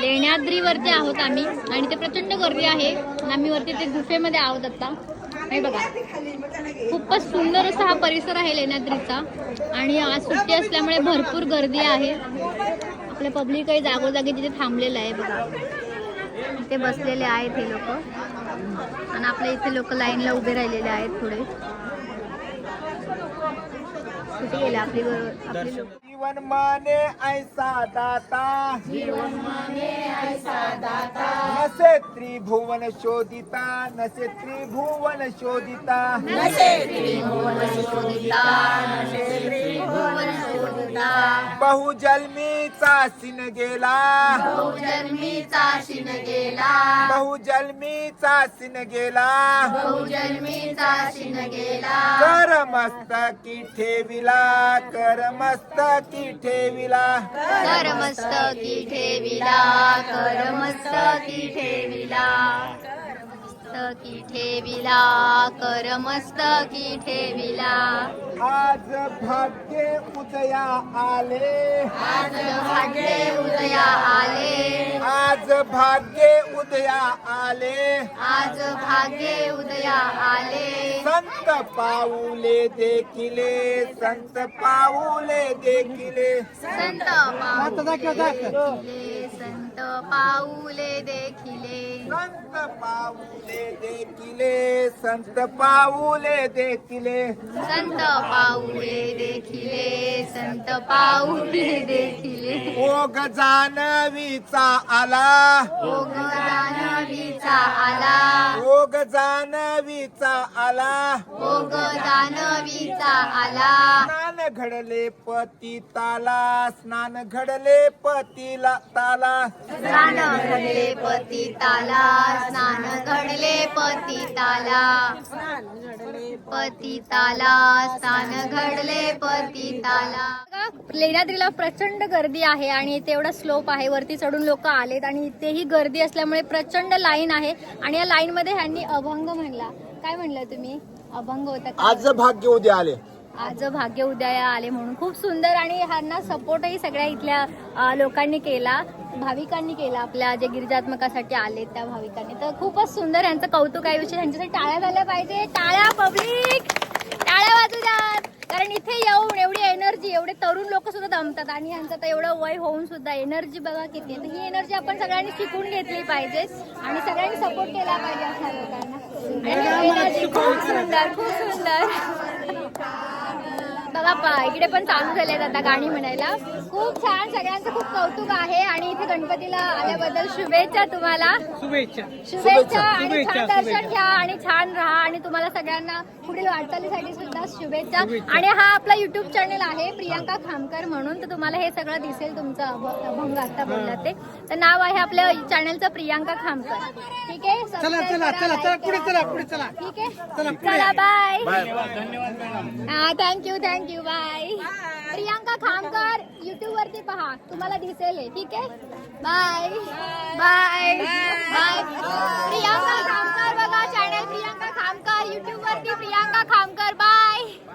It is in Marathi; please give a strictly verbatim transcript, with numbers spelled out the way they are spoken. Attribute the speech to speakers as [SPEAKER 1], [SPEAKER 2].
[SPEAKER 1] लेण्याद्रीवरती आहोत आम्ही आणि ते प्रचंड गर्दी आहे. आम्ही वरती ते गुफेमध्ये आहोत आता. हे बघा, खूपच सुंदर असा हा परिसर आहे लेण्याद्रीचा आणि आज सुट्टी असल्यामुळे भरपूर गर्दी आहे. आपले पब्लिक काही जागोजागी तिथे थांबलेलं आहे बघा. इथे बसलेले आहेत हे लोक आणि आपल्या इथे लोक लाईनला उभे राहिलेले आहेत. पुढे कुठे गेले आपली आपली लोक.
[SPEAKER 2] जीवन माने ऐसा दाता,
[SPEAKER 3] जीवन माने ऐसा दाता,
[SPEAKER 2] नसे त्रिभुवन शोधिता, नसे त्रिभुवन शोधिता,
[SPEAKER 3] नसे त्रिभुवन शोधिता, नसे त्रिभुवन शोधिता.
[SPEAKER 2] बहुजन्मीचा सिन गेला,
[SPEAKER 3] बहुजन्मीचा शिन गेला,
[SPEAKER 2] बहुजन्मीचा सिन गेला,
[SPEAKER 3] बहुजन्मीचा शिन गेला.
[SPEAKER 2] कर मस्तकी ठेविला, कर मस्तकी ठेविला,
[SPEAKER 3] कर मस्तकी ठेविला, कर मस्तकी ठेविला,
[SPEAKER 1] मस्तकी ठेविला, कर मस्तकी ठेविला.
[SPEAKER 2] आज भाग्य उदया आले,
[SPEAKER 3] आज भाग्ये उदया आले,
[SPEAKER 2] आज भाग्य उदया आले,
[SPEAKER 3] आज भाग्ये उदया आले.
[SPEAKER 2] संत पाऊले देखिले, संत पाऊले देखिले,
[SPEAKER 3] संत पाऊले देखिले, संत पाऊले देखिले,
[SPEAKER 2] संत पाऊले देखिले, संत पाऊले देखिले,
[SPEAKER 3] संत पाऊले देखिले, संत पाऊले देखिले.
[SPEAKER 2] ओघ जानवीचा आला,
[SPEAKER 3] ओघ जानवीचा आला,
[SPEAKER 2] ओघ जानवीचा आला,
[SPEAKER 3] ओघ जानवीचा आला.
[SPEAKER 2] स्नान घडले पतिताला, स्नान घडले पतीला ताला,
[SPEAKER 3] स्नान घडले पतिताला, स्नान घडले पतिताला, पतिताला, स्नान घडले पतिताला.
[SPEAKER 1] लेण्याद्रीला प्रचंड गर्दी आहे आणि इथे एवढा स्लोप आहे, वरती चढून लोक आलेत आणि इथेही गर्दी असल्यामुळे प्रचंड लाईन आहे. आणि या लाईन मध्ये ह्यांनी अभंग म्हणला. काय म्हणलं तुम्ही? अभंग होता का?
[SPEAKER 2] आज भाग्य उद्या आले,
[SPEAKER 1] आज भाग्य उदया आले म्हणून खूप सुंदर. आणि ह्यांना सपोर्टही सगळ्या इथल्या अ, लोकांनी केला, भाविकांनी केला, आपल्या जे गिरिजात्मकासाठी आले त्या भाविकांनी. तर खूपच सुंदर यांचं कौतुक आहे. विषय ह्यांच्यासाठी टाळ्या झाल्या पाहिजे. टाळ्या पब्लिक, टाळ्या वाजू द्यात. कारण इथे येऊन एवढी एनर्जी, एवढे तरुण लोक सुद्धा दमतात आणि यांचं तर एवढं वय होऊन सुद्धा एनर्जी बघा किती आहे. तर ही एनर्जी आपण सगळ्यांनी शिकून घेतली पाहिजे आणि सगळ्यांनी सपोर्ट केला पाहिजे अशा लोकांना. एनर्जी खूप सुंदर, खूप सुंदर. बघा पा इकडे पण चालू झालेत आता गाणी म्हणायला. खूप छान, सगळ्यांचं खूप कौतुक आहे आणि इथे गणपतीला आल्याबद्दल शुभेच्छा तुम्हाला.
[SPEAKER 4] शुभेच्छा
[SPEAKER 1] शुभेच्छा आणि छान दर्शन घ्या आणि छान राहा आणि तुम्हाला सगळ्यांना पुढील वाटचालीसाठी सुद्धा शुभेच्छा. आणि हा आपला युट्यूब चॅनल आहे प्रियांका खामकर म्हणून, तर तुम्हाला हे सगळं दिसेल. तुमचं अभ- अभंग आता बोलला ते तर नाव आहे आपल्या चॅनलचं प्रियांका खामकर. ठीक आहे,
[SPEAKER 4] चला
[SPEAKER 1] सबस्क्राईब
[SPEAKER 4] चला
[SPEAKER 1] करा,
[SPEAKER 4] चला
[SPEAKER 1] like
[SPEAKER 4] चला पुढे
[SPEAKER 1] करा.
[SPEAKER 4] चला पुढे चला.
[SPEAKER 1] ठीक आहे,
[SPEAKER 4] चला, पुढे.
[SPEAKER 1] चला बाय.
[SPEAKER 2] धन्यवाद.
[SPEAKER 1] हा, thank you thank you bye. Priyanka Khamkar YouTube वरती पहा, तुम्हाला दिसेल हे. ठीक आहे, bye bye bye. Priyanka Khamkar बघा, चॅनल प्रियांका खामकर, युट्यूब वरती प्रियांका खामकर. बाय.